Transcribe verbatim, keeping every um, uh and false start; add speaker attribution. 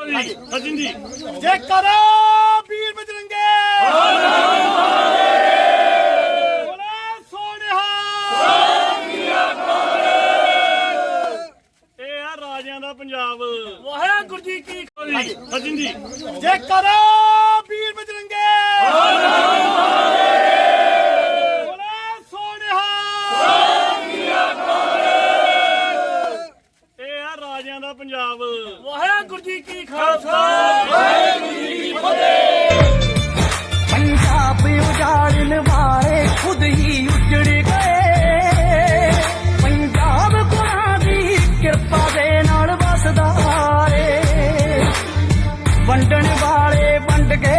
Speaker 1: ਜੀ ਸਚਿਨ ਜੀ
Speaker 2: ਜੈ ਕਰਾ ਵੀਰ ਬਜਰੰਗੇ ਬੋਲੇ ਸੋਨਿਹਾ
Speaker 1: ਇਹ ਆ ਰਾਜਿਆਂ ਦਾ ਪੰਜਾਬ।
Speaker 2: ਵਾਹਿਗੁਰੂ ਜੀ ਕੀ
Speaker 1: ਜੀ ਸਚਿਨ ਜੀ
Speaker 2: ਜੈ ਕਰਾ ਵੀਰ ਬਜਰੰਗੇ ਬੋਲੇ ਸੋਨਿਹਾ
Speaker 1: ਇਹ ਆ ਰਾਜਿਆਂ ਦਾ ਪੰਜਾਬ।
Speaker 2: ਵਾਹਿਗੁਰੂ ਜੀ ਕੀ ਖਾਲਸਾ
Speaker 3: पंजाब उजाड़न वाले खुद ही उजड़ गए। पंजाब गुरां दी किरपा दे नाल वसदा रे। वंडण वाले वंड के